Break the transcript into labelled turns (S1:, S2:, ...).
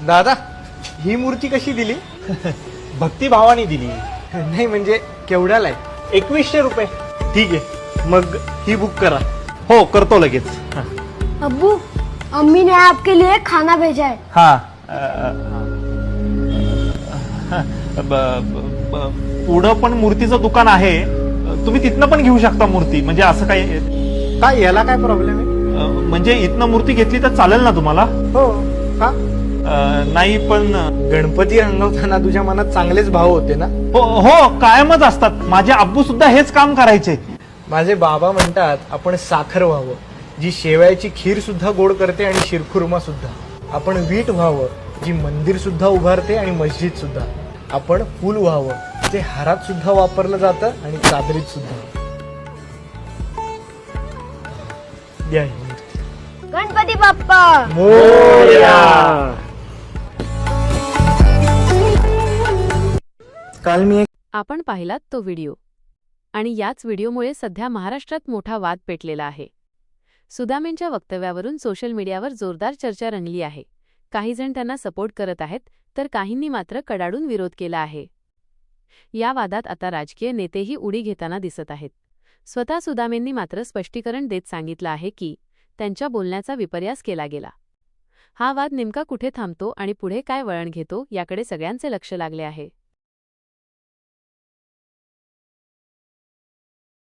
S1: दादा, ही मूर्ती कशी दिली?
S2: भक्तिभावाने दिली.
S1: नाही म्हणजे केवढ्याला आहे?
S2: 2100 रुपये.
S1: ठीक आहे, मग ही बुक करा.
S2: हो करतो लगेच.
S3: अब्बू, अम्मी ने आपके लिए खाना भेजा है.
S2: हा पुढं पण मूर्तीचं दुकान आहे, तुम्ही तिथनं पण घेऊ शकता मूर्ती. म्हणजे असं काही
S1: काय याला काय प्रॉब्लेम आहे?
S2: म्हणजे इथनं मूर्ती घेतली तर चालेल ना तुम्हाला?
S1: हो का?
S2: नाही पण
S1: गणपती रंगवताना तुझ्या मनात चांगलेच भाव होते ना?
S2: हो कायमच असतात. माझे आब्बू सुद्धा हेच काम करायचे.
S1: माझे बाबा म्हणतात आपण साखर व्हावं, जी शेवयाची खीर सुद्धा गोड करते आणि शिरखुर्मा सुद्धा. आपण वीट व्हावं, जी मंदिर सुद्धा उभारते आणि मस्जिद सुद्धा. आपण फूल व्हावं, जे हारात सुद्धा वापरलं जातं आणि चादरीत सुद्धा. द्या ही मूर्ती.
S3: गणपती बाप्पा
S1: मोरया. काल मी
S4: आपण पाहिलात तो व्हिडिओ, आणि याच व्हिडिओमुळे सध्या महाराष्ट्रात मोठा वाद पेटलेला आहे. सुदामेंच्या वक्तव्यावरून सोशल मीडियावर जोरदार चर्चा रंगली आहे. काही जण त्यांना सपोर्ट करत आहेत, तर काहींनी मात्र कडाडून विरोध केला आहे. या वादात आता राजकीय नेतेही उडी घेताना दिसत आहेत. स्वतः सुदामेंनी मात्र स्पष्टीकरण देत सांगितलं आहे की त्यांच्या बोलण्याचा विपर्यास केला गेला. हा वाद नेमका कुठे थांबतो आणि पुढे काय वळण घेतो याकडे सगळ्यांचे लक्ष लागले आहे.